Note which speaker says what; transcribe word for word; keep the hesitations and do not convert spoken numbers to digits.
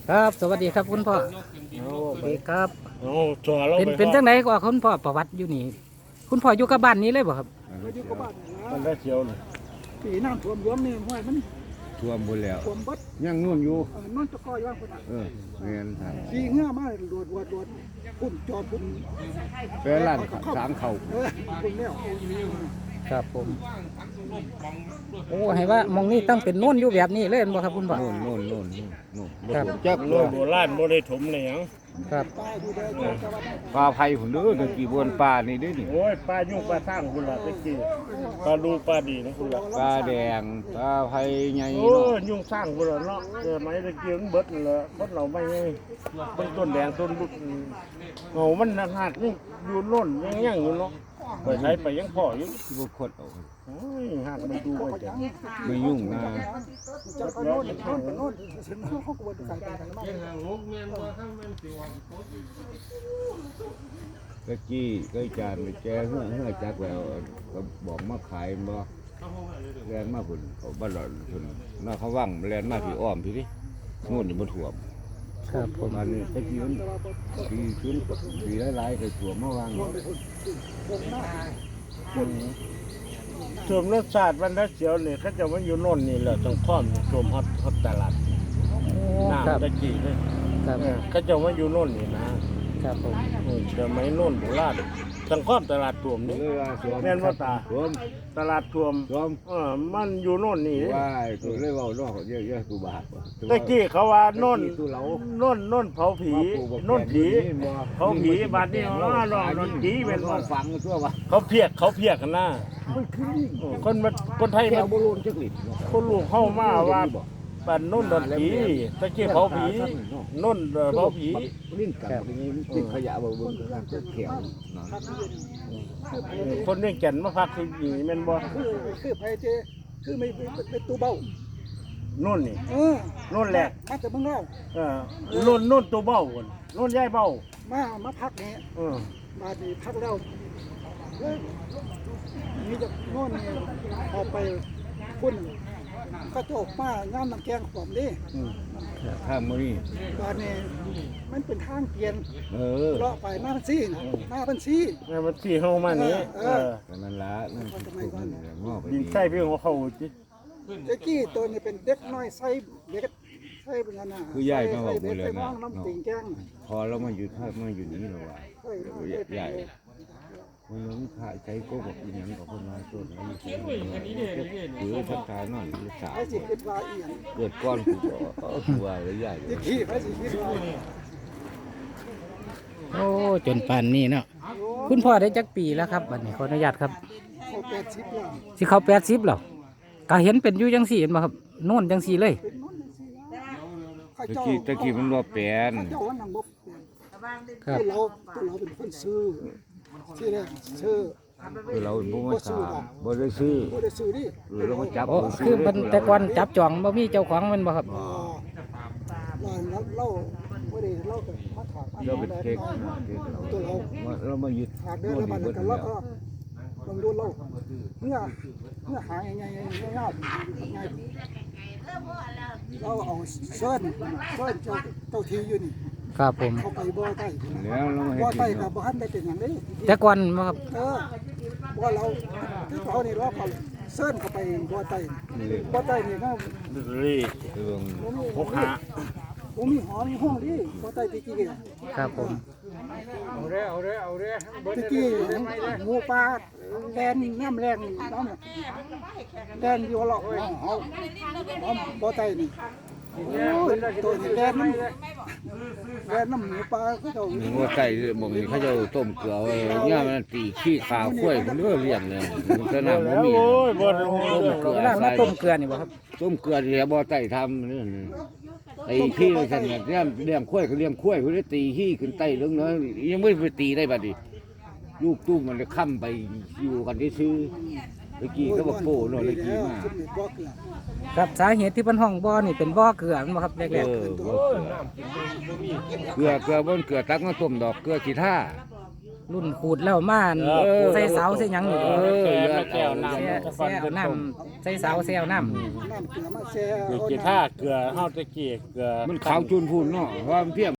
Speaker 1: ครับสวัสดีครับคุณพ่อสวัสดีครับ
Speaker 2: โอ้ชัวร์เรา
Speaker 1: เป็นเป็นจังไดก็คุณพ่อประวัติอยู่นี่คุณพ่ออยู่กับบ้านนี้เลยบ่ครับ
Speaker 3: อยู่กับบ้าน
Speaker 2: มัน
Speaker 3: นะ
Speaker 2: ได้เชียวเลย
Speaker 3: ปีน้ำท่วมย้อมนี่ห้วยมัน
Speaker 4: ท่วมหมดแล้ว
Speaker 3: ท่วมบัด
Speaker 4: ยังนู่นอยู่
Speaker 3: เออนอนตะกอยว่างคนอ่ะ
Speaker 4: เออเรียนทาง
Speaker 3: ขี่เงื่อมาโดดโดดโดดพุ่นจอดพุ่น
Speaker 4: แปลร้านสางเขา
Speaker 3: เออพุ่นแล้ว
Speaker 1: ครับผมโอ้ให้ว่ามองนี่ต้องเป็นโน่นอยู่แบบนี้เลยบ่ครับคุณพ่อ
Speaker 4: โน่นโน่นโน่นโน่น
Speaker 1: ครับ
Speaker 4: จัก
Speaker 2: โลโบราณโบได้ถมเลยหยัง
Speaker 1: ครับ
Speaker 3: ป้ายดูได้เจอแต่ว่า
Speaker 4: ปลาไผ่ผมเด้อตะกี้บนป่านี่เด้อนี่
Speaker 2: โอ้ยปลายุ่งปลาสร้างคุณล่ะตะกี้ปลาดูปลาดีนะคุณล่ะ
Speaker 4: ปลาแดงปลาไผ่ใหญ่
Speaker 2: โอ้
Speaker 4: เนาะ
Speaker 2: ยยุ่งสร้างคุณล่ะเนาะเกิดไหมตะกี้มันเบิดนั่นแหละคนเราไม่ไงต้นต้นแดงต้นลุกโอ้มันหักนี่อยู่โน่นยังยังอยู่เนาะไปใช้ไปยังพ่ออยู่
Speaker 4: ที่บ่คดเอา
Speaker 2: โอ้ยหักมันดูไปแต่
Speaker 4: ไม่ยุ่งนะ
Speaker 3: จะเขาโน่นโน่นโน่นเห็นเขาเขาก็บ่ได้ใส่ไปไหนมาก
Speaker 4: ตะกี้ก็จานไปแจเฮือเฮือจักแล้วก็บอกมาขายบ่แล่นมาพุ่นเขาบ้านหลอนพุ่นน่าเขาว่างแล่นมาพี่อ้อมพี่ดิโน่นนี่บ่ท่วม
Speaker 1: ครับผ
Speaker 4: ประ
Speaker 1: ม
Speaker 4: มาณนี้ตะกี้มันปีชุนปีหลายๆเคยท่วมมาวาง
Speaker 2: ส่วนรสชาติมันได้เสียวนี่เขาจะมาอยู่โน่นนี่แหละต้องค้อมรวมฮอตฮอตตลาด
Speaker 1: โอ้ครับ
Speaker 2: น้ำตะกี้เลย
Speaker 1: ครับ
Speaker 2: เออเขาจะมาอยู่โน่นนี่นะครับ
Speaker 1: ผม
Speaker 2: เออเดี๋ยวไม่โน่นโบราณทั้งครอบตลาดท่วมนี่
Speaker 4: เลยว่าท่วม
Speaker 2: แม่นว่าตา
Speaker 4: ท่วม
Speaker 2: ตลาดท่วม
Speaker 4: ท่วม
Speaker 2: เออมันอยู่โน่นนี่
Speaker 4: ว่าตัวเลยเว่าน้องเยอะเยอะกูบาป
Speaker 2: ตะกี้เขาว่าโน่น
Speaker 4: ตัวเรา
Speaker 2: โน่นโน่นเผาผีโน่นผีเผาผีบาดนี้อ๋อโน่นโน่นผีเป็นว่า
Speaker 4: ฟังตัวว่า
Speaker 2: เขาเพียกเขาเพียกกันนะเออคนมาคนไทย
Speaker 4: แก้
Speaker 2: มาว
Speaker 4: บอลลูนจักลิด
Speaker 2: คนลูกเข้ามาว่าปันโน่นโดนผีตะกี้เผาผีโน่นเผาผี
Speaker 4: ลิ้นกับอย่างนี้ติดขยะบ่เบิ่งกันก็เขียวเนาะ
Speaker 2: คนเรียกแก่นมาพักที่นี่แม่นบ่
Speaker 3: คือคือไผเจคือไม่เป็นตู้เบ้า
Speaker 2: โน่นนี่
Speaker 3: เออ
Speaker 2: โน่นแหละ
Speaker 3: มาแต่เมืองเรา
Speaker 2: เออโน่นโน่นตัวเบ้าก่อนโน่นย้ายเบ้า
Speaker 3: มามาพักนี่
Speaker 2: เออ
Speaker 3: มาดีพักแล้วเฮ้ยนี่จะโน่นนี่ออกไปพุ่นก็จะออกมางานน้ำแกงขวมนี่
Speaker 2: อืม
Speaker 4: ข้ามมื้อนี้
Speaker 3: ตอนนี้มันเป็นทางเปลี่ยน
Speaker 4: เออ
Speaker 3: เลาะไปหน้าพันซี่นะหน้าพันซี่
Speaker 2: แม่มันที่เฮามานี่เออ
Speaker 4: แต่นั่นละนั่นคือพวกนั้นงอไป
Speaker 2: ดินใส่เพียงของเขาจิ
Speaker 3: เจ๊กี้ตัวนี้เป็นเด็กน้อยใส่เด็กใส่เป็นขนาด
Speaker 4: คือยายมาบอก
Speaker 3: เด็
Speaker 4: กู
Speaker 3: ก
Speaker 4: เลย
Speaker 3: ใส่
Speaker 4: นะ
Speaker 3: น้องน้ำติ่งแก้ง
Speaker 4: พอเรามาอยู่ถ้ามาอยู่นี่แล้วว่า
Speaker 3: ใส่
Speaker 4: ใหญ่คนล้มขาใช้ก็บอกอีหยังกับคนน้อยตัวนี้หรือทักทายนั่นหรือสาว
Speaker 3: ไอ้สิคิดว่าอีหยัง
Speaker 4: เกิดก้อนกูก็ตัวเลยใหญ่
Speaker 3: เจ๊กี้ไอ้สิคิดว่า
Speaker 1: โอ้จนป่านนี้เนาะคุณพ่อได้จักปีแล้วครับบัดนี้ขออนุญาตครับ
Speaker 3: โอ้แปดสิบแล้ว
Speaker 1: สิเขาแปดสิบแล้วก็เห็นเป็นอยู่จังสี่เห็นบ่ครับโน่นจังสี่เลย
Speaker 3: เป็นน้องสิข้า
Speaker 4: ตะ
Speaker 3: เจ้า
Speaker 4: กี้ตะกี้มันว่าแปลน
Speaker 3: ข้าเจ้าวันนั้นบ่เปลี่ยน
Speaker 1: ครับ
Speaker 3: ตัวเราตัวเราเป็นคนซื้อที่แรกซื้อ
Speaker 4: คือเราบ่มาถามบ่ได้ซื้อ
Speaker 3: บ่ได้ซื้อดิ
Speaker 4: หรือเรามาจับ
Speaker 1: โอ้คือมันแต่ก่อนจับจองบ่มีเจ้าของแมันบ่ครับ
Speaker 3: อ่าเราเราบ่ได้เราก็มาถาม
Speaker 4: เราเป็นเค้กตัวเราเรามายึด
Speaker 3: หากเดินแล้วมันก็เราก็ลองดูเราเมื่อเมื่อหาง่ายๆง่ายๆง่ายเราเอาเส้นเส้นเจ้าเจ้าทีอยู่นี่
Speaker 1: ครับผม
Speaker 3: เข้าไปบ่อใต้
Speaker 4: แล้วเรามาให้
Speaker 3: บ่อ
Speaker 4: กิ
Speaker 3: ใต้
Speaker 4: น
Speaker 3: กับบ่ทันได้เป็นอย่างนี้
Speaker 1: แต่ก่อนบ่ครับ
Speaker 3: เออบ่อเราที่เขานี่เราเขาเส้นเข้าไปบ่อใต้บ่อใต้นี่ก็
Speaker 2: รี
Speaker 4: เรื่อง
Speaker 2: พกหา
Speaker 3: บ่มีหอมีห้องดิบ่อใต้ตะกี้
Speaker 1: ครับผม
Speaker 2: เอาเด้เอาเด้เอาเด้
Speaker 3: ตะกี้หมูปลาแดนน้ำแรงน้ำแดนอยู่หรอกเฮาบ่อใต้นี่โอ้ยตัวนี้แดนน้ำแดนน้ำหมูปลาคือเจ้า
Speaker 4: มีว่าไก่บ่มีเขาจะต้มเกลือเนี่ยมันตีขี้ขาข้วยมันเรื่องเลี้ยงเลยมันก็น่าบ่มี
Speaker 2: โอ้ยบ่ได้
Speaker 4: ต้มเกลือ
Speaker 1: เวลามาต้มเกลือนี่บ่ครับ
Speaker 4: ต้มเกลือที่บ่ไต่ทำนี่ไอ้ขี้เลยฉันเนี่ยเลี้ยงเลี้ยงข้วยก็เลี้ยงข้วยเพิ่นได้ตีขี้ขึ้นไต่เรื่องน้อยยังไม่ไปตีได้บัดนี้ลูกตุ้มมันเลยค้ำไปอยู่กันที่ซื้อตะกี้ก็บอกโป้เนาะตะกี้มา
Speaker 3: บ่เกลือ
Speaker 1: ครับสาเหตุที่เพิ่นห้องบ่อนี่เป็นบ่อเกลือแม่นบ่ครับแร
Speaker 4: เอก อบ่เกลือเกลือเกลือบนเกลือตักมาต้มดอกเกลือขี้ท่า
Speaker 1: รุ่นขูดแล้วมาใส่เสาใส่หยังนี่
Speaker 2: เออแก้วแก้วน้ำ
Speaker 1: แซ่
Speaker 2: ตะกอ
Speaker 1: แซ่
Speaker 2: น
Speaker 1: เอา
Speaker 2: เป็น
Speaker 1: น้
Speaker 2: ต้ม
Speaker 1: ำใส่เสาใส่เอาน้ำ
Speaker 3: น้ำเกลือมาแช่
Speaker 2: คือ
Speaker 3: เอา
Speaker 2: กี
Speaker 3: น้ำ
Speaker 2: ท่าเกลือเฮาตะกี้เกลือ
Speaker 4: มันขาวจูนพูนเนาะว่ามันเพียง